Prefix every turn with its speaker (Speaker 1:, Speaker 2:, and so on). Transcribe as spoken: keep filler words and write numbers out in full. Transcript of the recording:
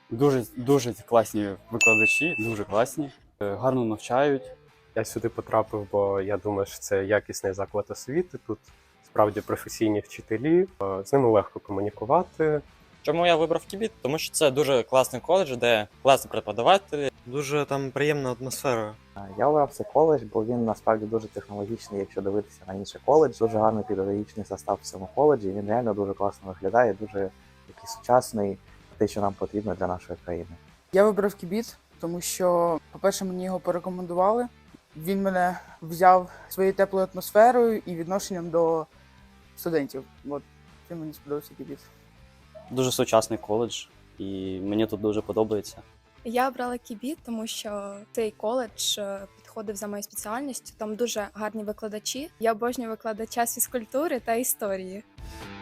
Speaker 1: Дуже дуже класні викладачі, дуже класні, е, гарно навчають.
Speaker 2: Я сюди потрапив, бо я думаю, що це якісний заклад освіти. Тут справді професійні вчителі, е, з ними легко комунікувати.
Speaker 3: Чому я вибрав Кібіт? Тому що це дуже класний коледж, де класні преподавателі.
Speaker 4: Дуже там приємна атмосфера.
Speaker 5: Я обрав цей коледж, бо він насправді дуже технологічний, якщо дивитися на інший коледж. Дуже гарний педагогічний состав в цьому коледжі. Він реально дуже класно виглядає, дуже такий сучасний, те, що нам потрібно для нашої країни.
Speaker 6: Я вибрав Кібіт, тому що, по-перше, мені його порекомендували. Він мене взяв своєю теплою атмосферою і відношенням до студентів. От цим мені сподобався Кібіт.
Speaker 7: Дуже сучасний коледж, і мені тут дуже подобається.
Speaker 8: Я обрала Кібіт, тому що цей коледж е, підходив за моєю спеціальністю. Там дуже гарні викладачі. Я обожнюю викладача з фізкультури та історії.